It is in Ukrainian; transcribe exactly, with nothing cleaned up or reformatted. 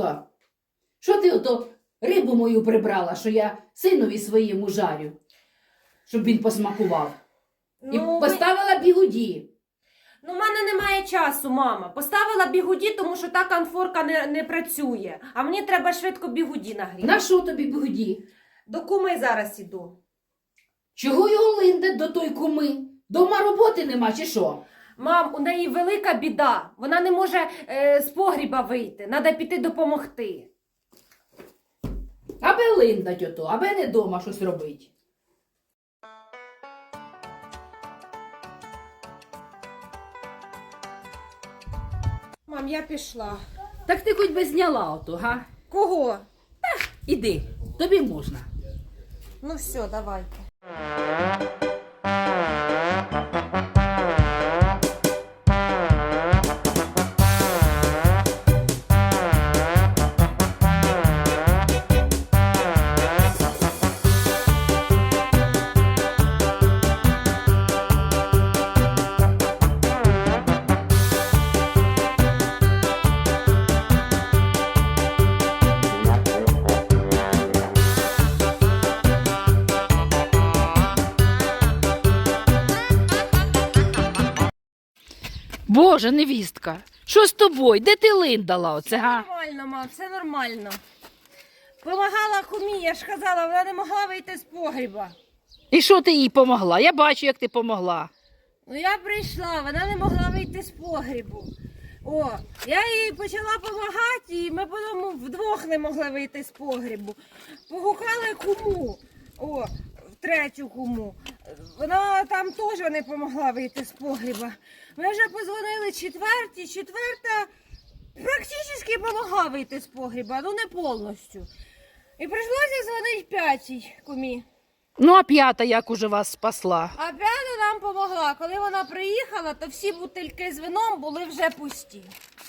Галочка, що ти ото рибу мою прибрала, що я синові своєму жарю, щоб він посмакував? І Ну, поставила бігуді. Ну, в мене немає часу, мама. Поставила бігуді, тому що та конфорка не, не працює. А мені треба швидко бігуді нагріти. На що тобі бігуді? До куми зараз іду. Чого його линде до той куми? Дома роботи нема чи що? Мам, у неї велика біда. Вона не може е, з погріба вийти. Треба піти допомогти. Аби линдать ото, аби не дома щось робить. Мам, я пішла. Так ти хоч би зняла ото, га? Кого? Іди, тобі можна. Ну все, давайте. Боже, невістка, що з тобою? Де ти линдала оце, га? Нормально, мам, все нормально. Помагала кумі, я ж казала, вона не могла вийти з погріба. І що ти їй помогла? Я бачу, як ти помогла. Ну я прийшла, вона не могла вийти з погрібу. О, я їй почала допомагати, і ми потім вдвох не могли вийти з погрібу. Погукали куму, о, третю куму. Вона там теж не допомогла вийти з погріба. Ми вже позвонили четвертій, четверта практично допомогла вийти з погріба, ну не повністю. І прийшлося дзвонити п'ятій кумі. Ну, а п'ята як уже вас спасла? А п'ята нам допомогла. Коли вона приїхала, то всі бутильки з вином були вже пусті.